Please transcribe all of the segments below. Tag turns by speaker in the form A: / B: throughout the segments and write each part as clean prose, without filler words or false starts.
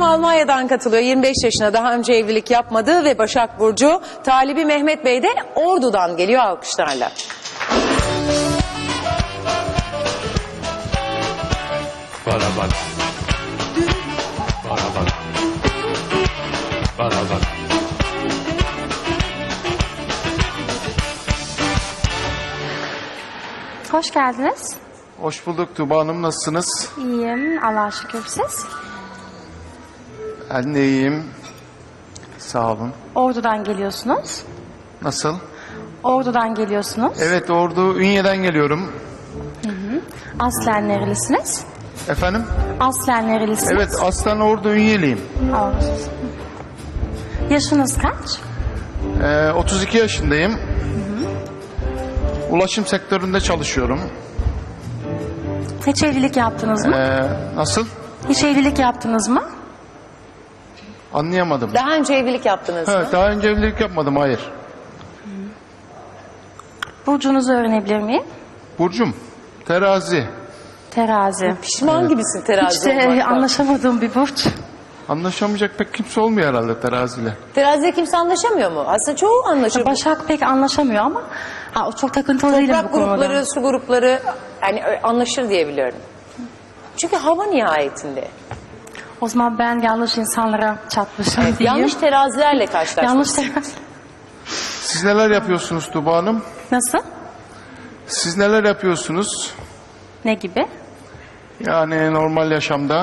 A: Almanya'dan katılıyor. 25 yaşına, daha önce evlilik yapmadı ve Başak Burcu. Talibi Mehmet Bey de Ordu'dan geliyor, alkışlarla.
B: Bana bak. Bana bak. Bana bak.
C: Hoş geldiniz.
D: Hoş bulduk Tuğba Hanım, nasılsınız?
C: İyiyim, Allah'a şükür. Siz?
D: Ben de iyiyim. Sağ olun.
C: Ordu'dan geliyorsunuz.
D: Nasıl?
C: Ordu'dan geliyorsunuz.
D: Evet, Ordu Ünye'den geliyorum.
C: Aslen nerelisiniz?
D: Efendim?
C: Aslen nerelisiniz?
D: Evet, aslen Ordu Ünyeliyim.
C: Ordu. Yaşınız kaç?
D: 32 yaşındayım. Ulaşım sektöründe çalışıyorum.
C: Hiç evlilik yaptınız mı?
D: Nasıl?
C: Hiç evlilik yaptınız mı?
D: Anlayamadım.
A: Daha önce evlilik yaptınız mı?
D: Evet, daha önce evlilik yapmadım, hayır.
C: Burcunuzu öğrenebilir miyim?
D: Burcum, terazi.
C: Terazi.
A: Pişman gibisin terazi
C: Hiç de
A: olmaktan.
C: anlaşamadığım bir burç.
D: Anlaşamayacak pek kimse olmuyor herhalde teraziyle.
A: Teraziyle kimse anlaşamıyor mu? Aslında çoğu anlaşır.
C: Başak pek anlaşamıyor ama o çok takıntılı değilim bu
A: Toprak
C: konuda.
A: grupları, su grupları yani anlaşır diye biliyorum. Çünkü hava nihayetinde.
C: O zaman ben yanlış insanlara çatmışım diyeyim.
A: Yanlış terazilerle karşılaştık.
C: Yanlış terazi.
D: Siz neler yapıyorsunuz Tuğba Hanım?
C: Nasıl?
D: Siz neler yapıyorsunuz?
C: Ne gibi?
D: Yani normal yaşamda.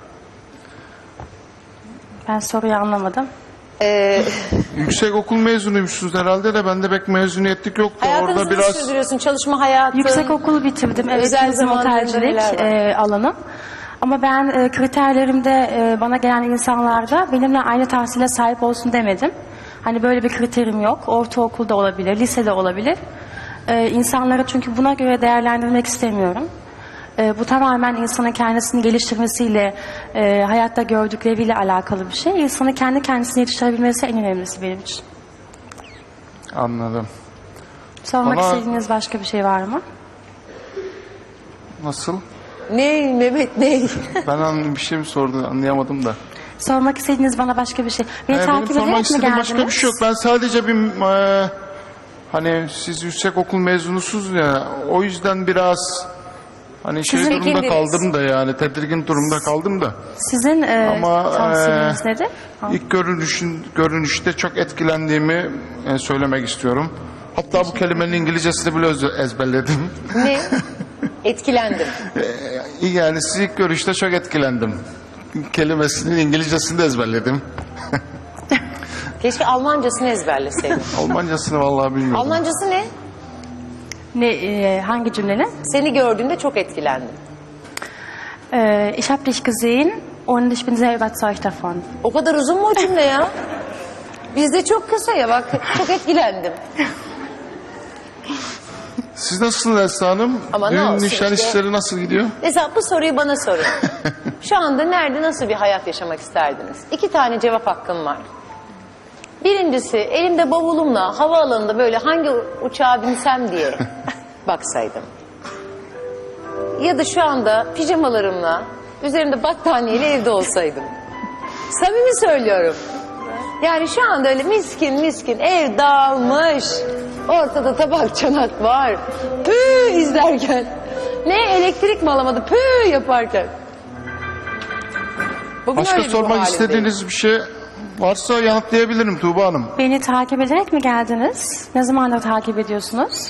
C: Ben soruyu anlamadım.
D: Yüksek okul mezunuymuşsunuz herhalde de bende pek mezuniyetlik yoktu.
A: Hayatınızı
D: Orada biraz
A: sürdürüyorsun, çalışma hayatı.
C: Yüksek okulu bitirdim. Evet,
A: Özel
C: turizm
A: zamanlarında
C: otelcilik
A: neler
C: alanım. Ama ben kriterlerimde bana gelen insanlarda benimle aynı tahsile sahip olsun demedim. Hani böyle bir kriterim yok. Ortaokulda olabilir, lisede olabilir. İnsanları çünkü buna göre değerlendirmek istemiyorum. Bu tamamen insanın kendisini geliştirmesiyle, hayatta gördükleriyle alakalı bir şey. İnsanın kendi kendisini yetiştirebilmesi en önemlisi benim için.
D: anladım.
C: Sormak
D: Bana-
C: istediğiniz başka bir şey var mı?
D: Nasıl?
A: Ne Mehmet ne?
D: Ben bir şey mi sordu anlayamadım da.
C: Sormak istediğiniz bana başka bir şey. Beni
D: Benim
C: takip
D: sormak
C: ederek mi
D: istediğim
C: geldiniz?
D: başka bir şey yok. Ben sadece hani siz yüksek okul mezunusunuz ya, o yüzden biraz hani şey
A: Sizin
D: durumda
A: ikindiniz.
D: kaldım da, yani tedirgin durumda kaldım da.
C: Sizin
D: Ama
C: tavsiyeniz nedir?
D: ilk görünüşte çok etkilendiğimi söylemek istiyorum. Hatta bu kelimenin İngilizcesini bile ezberledim.
A: Ne? Etkilendim.
D: Yani siz ilk görüşte çok etkilendim. Kelimesinin İngilizcesini de ezberledim.
A: Keşke Almancasını ezberleseydin.
D: Almancasını vallahi bilmiyorum.
A: Almancası ne?
C: Hangi cümlenin?
A: Seni gördüğümde çok etkilendim.
C: Ich habe dich gesehen und ich bin sehr überzeugt davon.
A: O kadar uzun mu o cümle ya? Bizde çok kısa ya, bak çok etkilendim.
D: Siz nasılsınız Esra Hanım?
A: Ama ne
D: Düğün
A: olsun
D: nişan
A: işte.
D: işleri nasıl gidiyor?
A: Mesela bu soruyu bana sorun. Şu anda nerede, nasıl bir hayat yaşamak isterdiniz? 2 tane cevap hakkım var. Birincisi, elimde bavulumla havaalanında böyle hangi uçağa binsem diye baksaydım. Ya da şu anda pijamalarımla, üzerimde battaniyeyle evde olsaydım. Samimi söylüyorum. Yani şu anda öyle miskin miskin ev dağılmış. Ortada tabak çanak var. Püh izlerken. Ne elektrik mi alamadı püh yaparken. Bugün
D: Başka
A: öyle bir ruh
D: sormak
A: halindeyim.
D: istediğiniz bir şey varsa yanıtlayabilirim Tuğba Hanım.
C: Beni takip ederek mi geldiniz? Ne zamandır takip ediyorsunuz?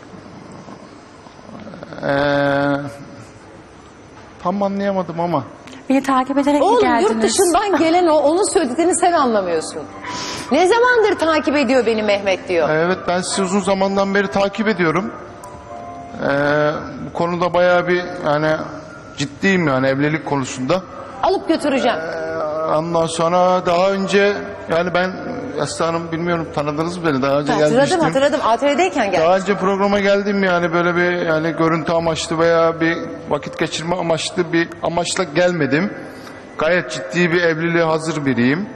D: Tam anlayamadım ama.
C: Beni takip ederek mi
A: Oğlum
C: geldiniz?
A: yurt dışından gelen onun söylediğini sen anlamıyorsun. Ne zamandır takip ediyor beni Mehmet diyor.
D: Evet, ben sizi uzun zamandan beri takip ediyorum. Bu konuda bayağı bir yani ciddiyim, yani evlilik konusunda.
A: Alıp götüreceğim.
D: Ondan sonra daha önce yani ben Esra Hanım, bilmiyorum tanıdınız mı beni, daha önce gelmiştim.
A: Hatırladım. ATV'deyken geldim.
D: Daha önce programa geldim, yani böyle bir yani görüntü amaçlı veya bir vakit geçirme amaçlı bir amaçla gelmedim. Gayet ciddi bir evliliğe hazır biriyim.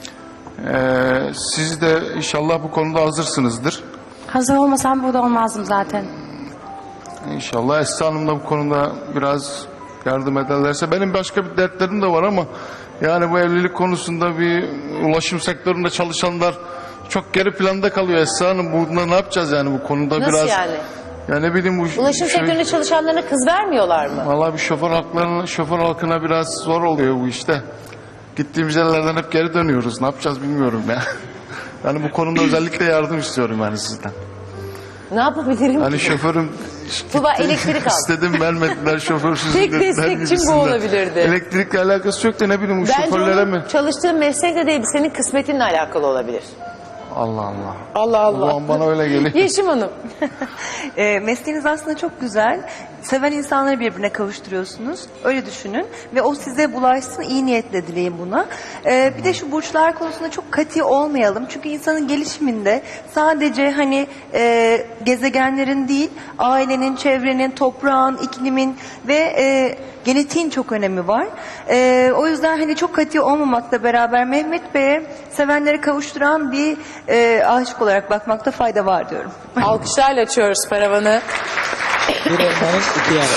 D: Siz de inşallah bu konuda hazırsınızdır.
C: Hazır olmasam burada olmazdım zaten.
D: İnşallah Esra Hanım da bu konuda biraz yardım ederlerse. Benim başka bir dertlerim de var ama Yani bu evlilik konusunda bir ulaşım sektöründe çalışanlar çok geri planda kalıyor Esra Hanım. Bunda ne yapacağız yani bu konuda
A: Nasıl
D: biraz...
A: yani?
D: Ya ne bileyim bu...
A: Ulaşım sektöründe çalışanlarına kız vermiyorlar mı?
D: Vallahi bir şoför halkına biraz zor oluyor bu işte. Gittiğimiz yerlerden hep geri dönüyoruz. Ne yapacağız bilmiyorum ya. Yani bu konuda özellikle yardım istiyorum yani sizden.
A: Ne yapabilirim
D: Hani
A: ki?
D: şoförüm
A: Tuba, elektrik al.
D: istedim vermediler şoförsüz.
A: Tek
D: dediler
A: destekçim bu
D: gibisinden.
A: olabilirdi.
D: Elektrikle alakası yok da ne bileyim bu
A: Bence
D: şoförlere
A: onun
D: mi?
A: çalıştığın meslekle değil, senin kısmetinle alakalı olabilir.
D: Allah Allah.
A: Allah
D: O zaman bana öyle geliyor.
A: Yeşim Hanım.
E: Mesleğiniz aslında çok güzel. Seven insanları birbirine kavuşturuyorsunuz. Öyle düşünün. Ve o size bulaşsın. İyi niyetle dileyin buna. Bir de şu burçlar konusunda çok katı olmayalım. Çünkü insanın gelişiminde sadece hani gezegenlerin değil, ailenin, çevrenin, toprağın, iklimin ve genetiğin çok önemi var. O yüzden hani çok katı olmamakla beraber Mehmet Bey'e sevenleri kavuşturan bir aşık olarak bakmakta fayda var diyorum.
A: Alkışlarla açıyoruz paravanı.
F: Bir elmanın iki yanı.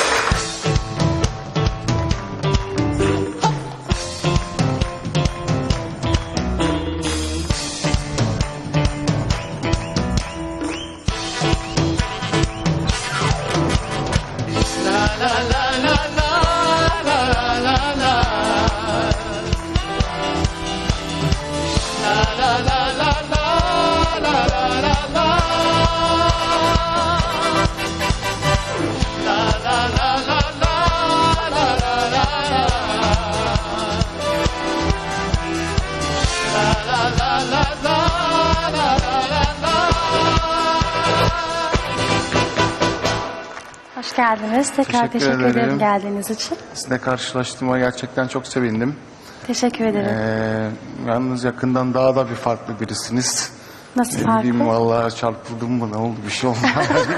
C: Hoş geldiniz. Tekrar
D: Teşekkür
C: teşekkür
D: ederim.
C: ederim geldiğiniz için.
D: Sizinle karşılaştığıma gerçekten çok sevindim.
C: Teşekkür ederim.
D: Yalnız yakından daha da bir farklı birisiniz.
C: Nasıl
D: Ne
C: farklı?
D: bileyim vallahi çarpıldım mı ne oldu bir şey oldu.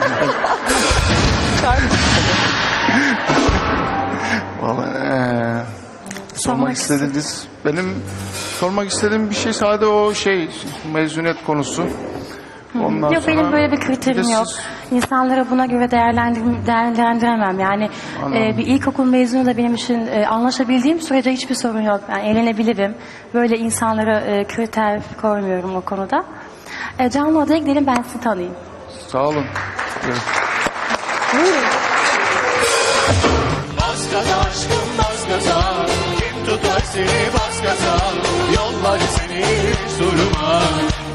D: Vallahi sormak istediniz. Benim sormak istediğim bir şey sadece o mezuniyet konusu. Ondan
C: Yok, benim
D: sonra
C: böyle bir kriterim
D: de
C: yok.
D: siz-
C: İnsanları buna göre değerlendiremem. Yani bir ilkokul mezunu da benim için anlaşabildiğim sürece hiçbir sorun yok. Yani eğlenebilirim. Böyle insanlara kriter koymuyorum o konuda. Canlı odaya gidelim, ben sizi tanıyayım.
D: Sağ olun. Evet.
B: Bas gaza aşkım bas gaza. Kim tutar seni bas gaza. Yollar seni hiç durma.